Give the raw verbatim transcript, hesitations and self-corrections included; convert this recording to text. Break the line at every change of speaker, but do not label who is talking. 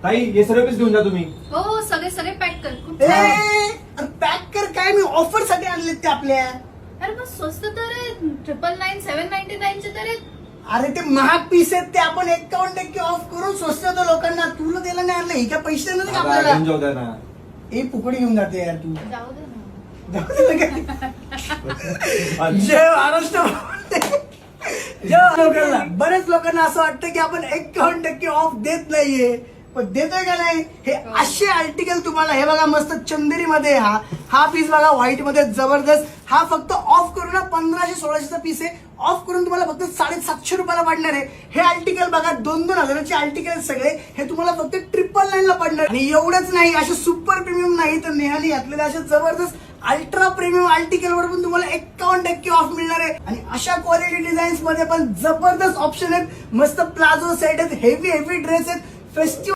ताई हे सर्व पीस घेऊन जा तुम्ही.
हो हो सगळे सगळे पॅक कर. खूप छान.
पॅक कर काय, मी ऑफर साठी आणलेत ते आपल्या.
अरे मग स्वस्त तर आहे. ट्रिपल नाईन सेव्हन नाईन्टी नाईनचे तर आहेत.
अरे ते महाग पीस आहेत ते, आपण एकावन्न टक्के ऑफ करून स्वस्त होतो लोकांना. तुला त्याला नाही आणलं, ही काय पैसे देणार नाही का
बाबा,
आपल्याला?
घेऊन जाऊ द्या ना.
हे फुकडी घेऊन जाते यार तू.
जाऊ दे ना.
जाऊ दे ना काय. जय महाराष्ट्र. जय लोकांना, बरेच लोकांना असं वाटतं की आपण एकावन्न टक्के ऑफ देत नाहीये, पण देतोय का नाही. हे असे आर्टिकल तुम्हाला, हे बघा मस्त चंदेरी मध्ये, हा हा पीस बघा व्हाईट मध्ये जबरदस्त. हा फक्त ऑफ करून ना पंधराशे सोळाशेचा पीस आहे. ऑफ करून तुम्हाला फक्त साडेसातशे रुपयाला पडणार आहे. हे आर्टिकल बघा दोन दोन हजाराचे आर्टिकल आहेत सगळे. हे तुम्हाला फक्त ट्रिपल नाईन ला पडणार. आणि एवढंच नाही, असे सुपर प्रीमियम नाही तर नेहानी घातलेले असे जबरदस्त अल्ट्रा प्रीमियम आर्टिकल वर पण तुम्हाला एकावन्न टक्के ऑफ मिळणार आहे. आणि अशा क्वालिटी डिझाईन्स मध्ये पण जबरदस्त ऑप्शन आहेत. मस्त प्लाझो सेट आहेत, हेवी हेवी ड्रेस आहेत. फेस्टिवल